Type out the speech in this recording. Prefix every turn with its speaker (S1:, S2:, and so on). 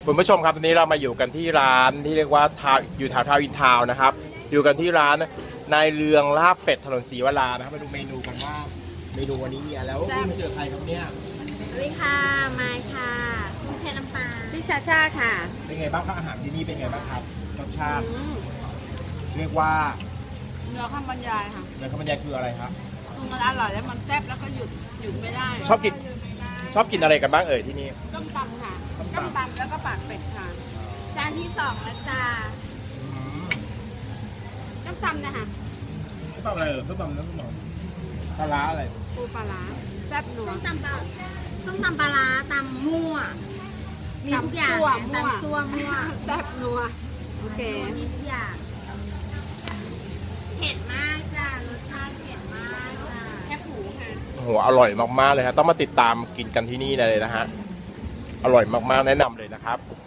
S1: คุณผู้ชมครับตอนนี้เรามาอยู่กันที่ร้านที่เรียกว่าอยู่แถวทาวน์อินทาวน์นะครับอยู่กันที่ร้านนายเรืองลาบเป็ดถนนศรีวรานะครับมาดูเมนูกันว่าเมนูวันนี้มีอะไรแล้วมาเจอใครครับเนี่ย
S2: สวัสดีค่ะมายค่ะกุ้งแช่น้ำปลา
S3: พี่ชาชาค่ะ
S1: เป็นไงบ้างครับอาหารที่นี่เป็นไงบ้างครับรสชาติเรียกว่า
S3: เนื้อข้าวบรรยายค่ะ
S1: เนื้อข้าวมันยายคืออะไรครับ
S3: คือมันอร่อยแล้วมันแซ่บแล้วก็หยุดไม่ได้
S1: ชอบกินอะไรกันบ้างเอ่ยที่นี่
S3: ต้มตำค่ะต้มตำแล้วก็ปากเป็ดค่ะ
S2: จานที่2แล้วจ้า
S3: ต้มตำนะคะ
S1: ต้มตำอะไรต้มตำเนื้อปลาร้าอะไร
S3: ปูปลาร้าแซ่บนัว
S2: ต้มตำปลาร้าตำมั่วมีทุกอย่างตำซั่วมั่ว
S3: แซ่บนัวโอเค
S2: มีทุกอย่างเผ็ดมากจ้ารสชาติเผ็ดมากจ้า
S3: แค่ผูค่ะ
S1: โอ้โหอร่อยมากๆเลยครับต้องมาติดตามกินกันที่นี่เลยนะฮะอร่อยมากๆแนะนำเลยนะครับ